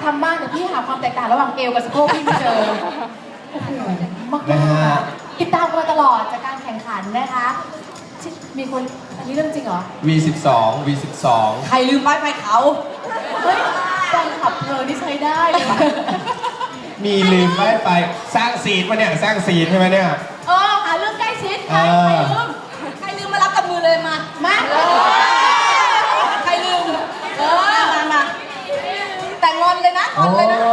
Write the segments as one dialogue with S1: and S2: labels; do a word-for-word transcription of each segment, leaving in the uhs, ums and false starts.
S1: ทำบ้างแต่พี่หาความแตกต่างระหว่างเอวกับสะโพกพี่ไม่เจอโอ้โหมาก
S2: นะฮะ
S1: ๆติดตามกันมาตลอดจากการแข่งขันนะคะมีคนอันนี้เรื่องจริงเหรอ
S2: วี สิบสอง วี สิบสอง
S3: ใครลืมป้ายไฟเขา
S1: เฮ้ยแฟนขับเธอนี่ใช้ได้เลย
S2: มีลืมไม่ไปสร้างซีนปะเนี่ยสร้างซีนใช่ไหมเนี่ย
S1: เออหาเรื่องใกล้ชิดใคร
S2: เออ
S1: ใครลืม
S3: ใครลืมมารับกับมือเลยมา
S1: มา
S3: ใครลืม เออ มามาแต่งอนเลยนะงอนเลยนะ
S2: โอ้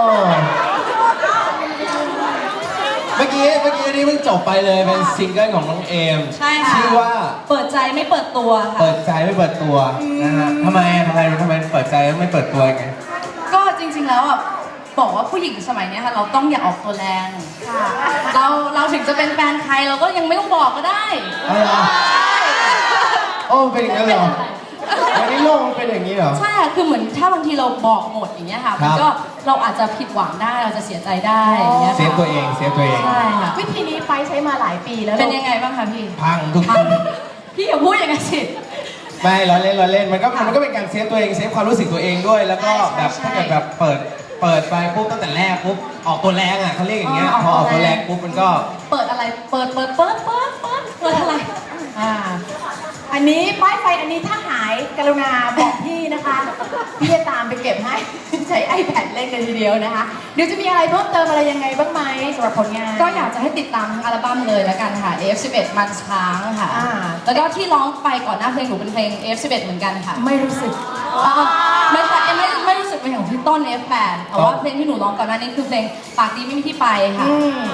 S2: เมื่อกี้เมื่อกี้นี่เพิ่งจบไปเลยเป็นซิงเกิลของน้องเอม
S3: ใช่ค่ะ
S2: ชื่อว่า
S3: เปิดใจไม่เปิดตัวค่ะ
S2: เปิดใจไม่เปิดตัวนะฮะทำไมทำไมทำไมเปิดใจไม่เปิดตัวยังไง
S3: ก็จริงๆแล้วอ่ะบอกว่าผู้หญิงสมัยเนี้ยค่ะเราต้องอย่าออกตัวแรง
S1: ค่ะ
S3: เราเราถึงจะเป็นแฟนใครเราก็ยังไม่ต้องบอกก็ได้
S2: อะไรอ่ะโอ้เป็นอย่างนั้นเหรอวันนี้โลกมันเป็นอย่างนี้เหรอ
S3: ใช่ค่ะคือเหมือนถ้าบางทีเราบอกหมดอย่างเงี้ยค่ะมันก็เราอาจจะผิดหวังได้เราจะเสียใจได้อย่างเงี้ย
S2: เซฟตัวเองเซฟตัวเอง
S3: ใช่ค่ะ
S1: วิธีนี้ไฟใช้มาหลายปีแล้ว
S3: เป็นยังไงบ้างคะพี่
S2: พังทุกที
S3: พี่อย่าพูดอย่างนั้นสิ
S2: ไม่ล้อเล่นล้อเล่นมันก็มันก็เป็นการเซฟตัวเองเซฟความรู้สึกตัวเองด้วย แล้วก็แบบ
S3: ใช่
S2: ถ้าเกิดแบบเปิดเปิดไปปุ๊บตั้งแต่แรกปุ๊บออกตัวแรงอ่ะเขาเรียกอย่างเงี้ยพอออกตัวแรงปุ๊บมันก็
S3: เปิดอะไรเปิดเปิดเปิดเปิดเปิดเปิดอะไร
S1: อ่าอันนี้ป้ายไฟอันนี้ถ้าหายกรุณาบอกพี่นะคะพี่จะตามไปเก็บให้ ใช้ iPad เล่นกันทีเดียวนะคะเดี๋ยวจะมีอะไรเพิ่มเติมอะไรยังไงบ้างไหมสำหรับผลงาน
S3: ก็อยากจะให้ติดตามทั้งอัลบั้มเลยแล้วกันค่ะ เอ ฟ สิบเอ็ด มันช้างค่ะ
S1: อ่า
S3: แล้วก็ที่ร้องไปก่อนหน้าเพลงหนูเป็นเพลง เอ เอฟ สิบเอ็ด เหมือนกันค่ะ
S1: ไม่รู้สึก
S3: อ่าไม่ใช่ไม่ไม่รู้สึกเป็นของพี่ต้น เอฟ แปด แต่ว่าเพลงที่หนูร้องก่อนหน้านี้คือเพลงปากดีไม่มีที่ไปค่ะ
S1: อืม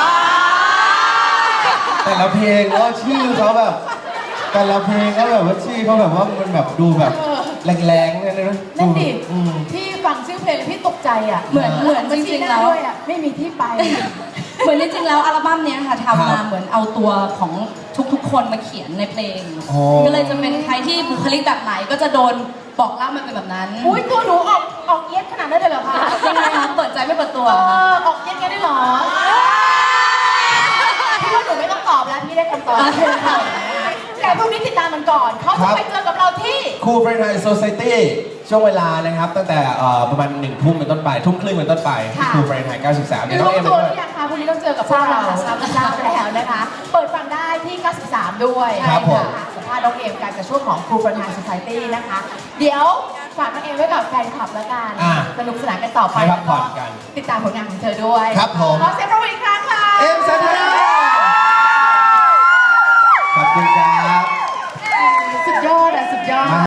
S2: แต่ละเพลงก็ชื่อเขาแบบ แต่ละเพลงก็แบบว่าชื่อเขาแบบว่ามันแบบดูแบบแรงๆเนี่ยนะ
S1: นั่นดิ
S2: อืม
S1: พี่ฟังชื่อเพลงพี่ตกใจอ่ะ
S3: เหมือนเหมือนจริงๆแล้ว
S1: ด้วยอ่ะไม่มีที่ไป
S3: เหมือนจริงๆแล้วอัลบั้มเนี้ยค่ะ
S2: ครั
S3: ทำมา
S2: บ
S3: เหมือนเอาตัวของทุกๆ คนมาเขียนในเพลง
S2: โอ้
S3: ก็เลยจะเป็นใครที่บุคลิกแบบไหนก็จะโดนบอกเล่ามันเป็นแบบนั้น
S1: อุ้ยตัวหนูออกออกเย็ดขนาดนั้นเลยเหรอคะ
S3: ยังไงคะเปิดใจไม่เปิดตัว
S1: เออออกเย็ดกันได้เหรอพี่ว่าหนูไม่ต้องตอบแล้วพี่ได้คำตอบแต่พรุ่งนี้ติดตามมันก่อนเขาจะไปเจอกับเราที่
S2: คูเฟรนไทโซไซตี้ช่วงเวลานะครับ ตั้งแต่เอ่อประมาณหนึ่งทุ่มเป็นต้นไปทุ่มครึ่งเป็นต้นไปที่คูเฟรนไทเก้าสิบสามเนี่ยน้องเอ็ม
S1: รู้
S2: ไป
S1: ตัวห
S2: ด้วย
S1: รือยังคะพรุ่งนี้ต้องเจอกับพวกเราทราบทราบแล้วนะคะ เปิดฟังได้ที่ เก้าสิบสาม ด้วย
S2: ครับผม
S1: ค่ะสัมภาษณ์น้องเอมกันกับช่วงของครูประธาน Society นะคะ เดี๋ยวฝากน้องเอมไว้กับแฟนคลับแล้วกัน
S2: อ่ะ
S1: สนุกสนานกันต่อไป
S2: ให้พักผ่อนกัน
S1: ติดตามผลงานของเธอด้วย
S2: ครับผม
S1: ขอเสียงปรบมืออีกครั้งค่ะ
S2: เอ็มสัน